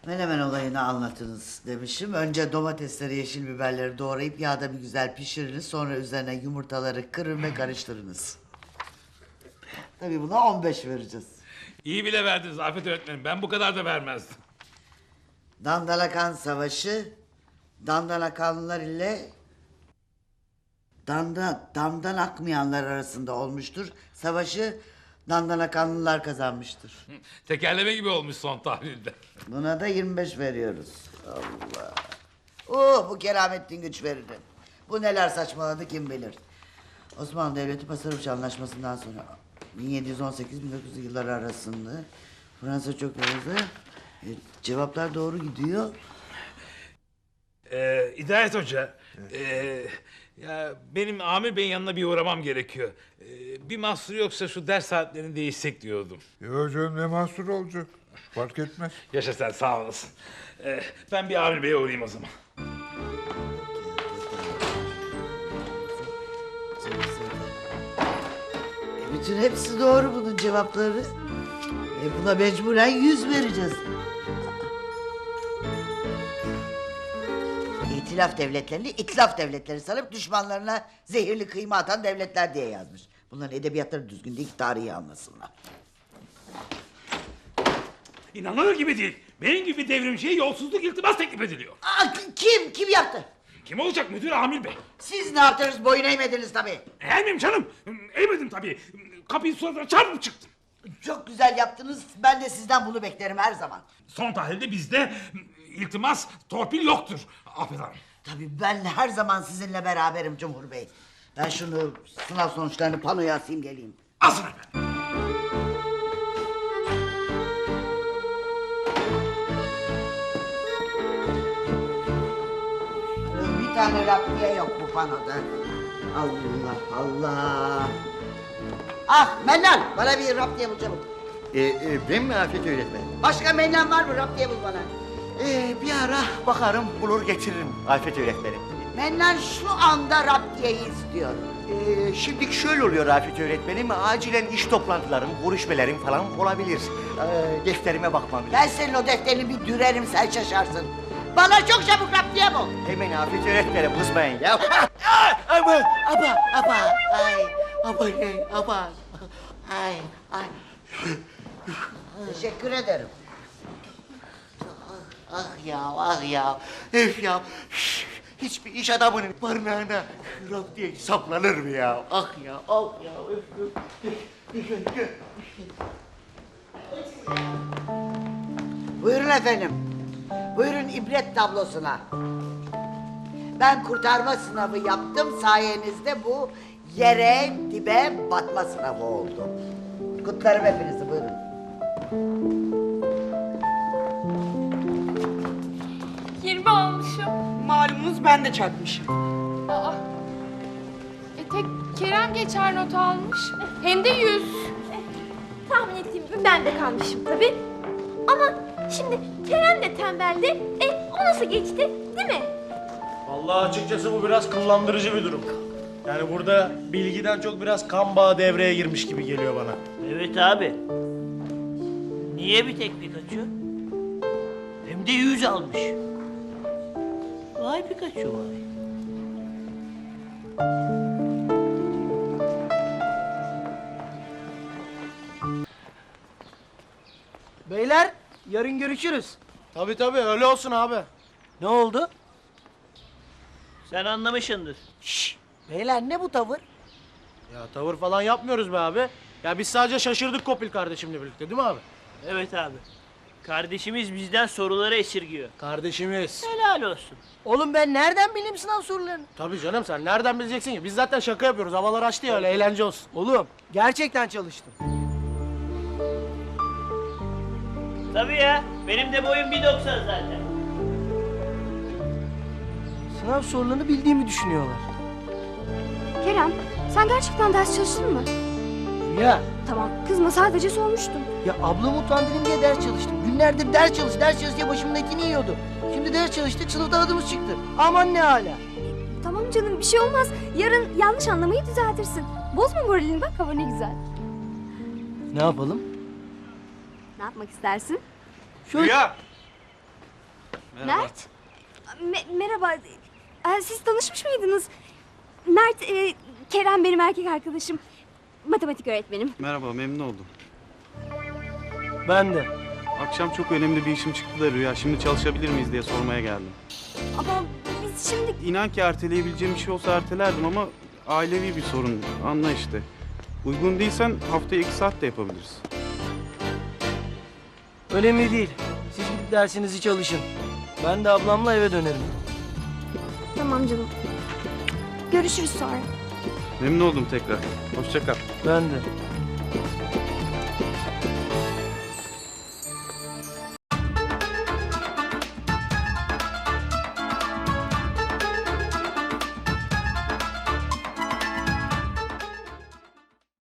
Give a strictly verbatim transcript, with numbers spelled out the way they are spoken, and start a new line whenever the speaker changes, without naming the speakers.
Menemen olayını anlatınız demişim. Önce domatesleri, yeşil biberleri doğrayıp yağda bir güzel pişiriniz. Sonra üzerine yumurtaları kırın ve karıştırınız. Tabii buna on beş vereceğiz.
İyi bile verdiniz Afet öğretmenim. Ben bu kadar da vermezdim.
Dandanakan Savaşı, Dandanakanlılar ile Danda, damdan akmayanlar arasında olmuştur. Savaşı Dandanakanlılar kazanmıştır.
Tekerleme gibi olmuş son tahlilde.
Buna da yirmi beş veriyoruz. Allah. Oo, bu Keramettin güç verirdi. Bu neler saçmaladı kim bilir. Osmanlı Devleti Pasarıç Anlaşması'ndan sonra bin yedi yüz on sekiz bin dokuz yüz yılları arasında Fransa çok hızlı. E, cevaplar doğru gidiyor.
Ee, Hidayet Hoca, ee, ya benim Amir Bey'in yanına bir uğramam gerekiyor. Ee, bir mahsur yoksa şu ders saatlerini değişsek diyordum.
Yok canım, ne mahsur olacak? Fark etmez.
Yaşa sen, sağ olasın. Ee, ben bir Amir Bey'e uğrayayım o zaman.
E, bütün hepsi doğru bunun cevapları. E, buna mecburen yüz vereceğiz. İtilaf devletlerini itlaf devletleri sanıp düşmanlarına zehirli kıyma atan devletler diye yazmış. Bunların edebiyatları düzgün değil ki tarihi anlasınlar.
İnanılır gibi değil. Benim gibi devrimciye yolsuzluk iltimas teklif ediliyor.
Aa, kim? Kim yaptı?
Kim olacak müdür Amir Bey?
Siz ne yaptınız? Boyun eğmediniz tabii.
Eğer miyim canım? Eğmedim tabii. Kapıyı suratına çarpıp çıktım.
Çok güzel yaptınız. Ben de sizden bunu beklerim her zaman.
Son tahlilde bizde iltimas, torpil yoktur Afet Hanım.
Tabii ben her zaman sizinle beraberim Cumhur Bey. Ben şunu sınav sonuçlarını panoya asayım geleyim.
Asın efendim.
Bir tane raptiye yok bu panoda. Allah Allah. Ah Mennan, bana bir raptiye bul çabuk.
Ee, e, ben mi Afet öğretmenim?
Başka Mennan var mı? Raptiye bul bana.
Ee, bir ara bakarım, bulur getiririm Afet öğretmenim.
Mennan şu anda raptiyeyi istiyor.
Ee, şimdi şöyle oluyor Afet öğretmenim, acilen iş toplantılarım, görüşmelerim falan olabilir. Ee, defterime bakmam lazım.
Ben senin o defterini bir dürerim, sen şaşarsın. Bana çok çabuk raptiye bul.
Hemen Afet öğretmenim, kızmayın ya. Ama, aba, aba, ay, aba, ay, aba, ay, ay.
Teşekkür ederim.
Ah ya, ah ya, öf ya. Şş, hiçbir iş adamının barınağına rap diye saplanır mı ya? Ah ya, ah ya, öf, öf.
Buyurun efendim. Buyurun ibret tablosuna. Ben kurtarma sınavı yaptım. Sayenizde bu yere dibe batma sınavı oldu. Kutlarım hepinizi, buyurun.
yirmi almışım.
Malumunuz ben de çarpmışım.
Aa. E tek Kerem geçer not almış. Hem de yüz.
Tahmin ettiğim gibi ben de kalmışım tabii. Ama şimdi Kerem de tembeldi. E o nasıl geçti değil mi?
Vallahi açıkçası bu biraz kıllandırıcı bir durum. Yani burada bilgiden çok biraz kan bağı devreye girmiş gibi geliyor bana.
Evet abi. Niye bir tek Pikachu? Hem de yüz almış. Vay Pikachu vay.
Beyler yarın görüşürüz.
Tabii tabii öyle olsun abi.
Ne oldu?
Sen anlamışsındır.
Şşş. Beyler ne bu tavır?
Ya tavır falan yapmıyoruz be abi. Ya biz sadece şaşırdık Kopil kardeşimle birlikte değil mi abi?
Evet abi. Kardeşimiz bizden soruları esirgiyor.
Kardeşimiz.
Helal olsun.
Oğlum ben nereden bileyim sınav sorularını?
Tabii canım, sen nereden bileceksin ki? Biz zaten şaka yapıyoruz. Havalar açtı ya, öyle eğlence olsun.
Oğlum gerçekten çalıştım.
Tabii ya. Benim de boyum bir doksan zaten.
Sınav sorularını bildiğimi düşünüyorlar.
Kerem sen gerçekten ders çalıştın mı?
Ya
Tamam kızma sadece sormuştum.
ya ablamı utandırayım diye ders çalıştım. Günlerdir ders çalış, ders çalış diye başımın etini yiyordu. Şimdi ders çalıştık, sınıfta adımız çıktı. Aman ne hala.
Tamam canım bir şey olmaz. Yarın yanlış anlamayı düzeltirsin. Bozma moralini bak hava ne güzel.
Ne yapalım?
Ne yapmak istersin?
Şöyle...
Ya
Mert? Me- merhaba. Ee, siz tanışmış mıydınız? Mert, e, Kerem benim erkek arkadaşım. Matematik öğretmenim.
Merhaba, memnun oldum.
Ben de.
Akşam çok önemli bir işim çıktı da Rüya. Şimdi çalışabilir miyiz diye sormaya geldim.
Ama biz şimdi...
İnan ki erteleyebileceğim bir şey olsa ertelerdim ama ailevi bir sorun. Anla işte. Uygun değilsen haftaya iki saat de yapabiliriz.
Önemli değil. Siz gidip dersinizi çalışın. Ben de ablamla eve dönerim.
Tamam canım. Görüşürüz sonra.
Memnun oldum tekrar. Hoşça kal.
Ben de.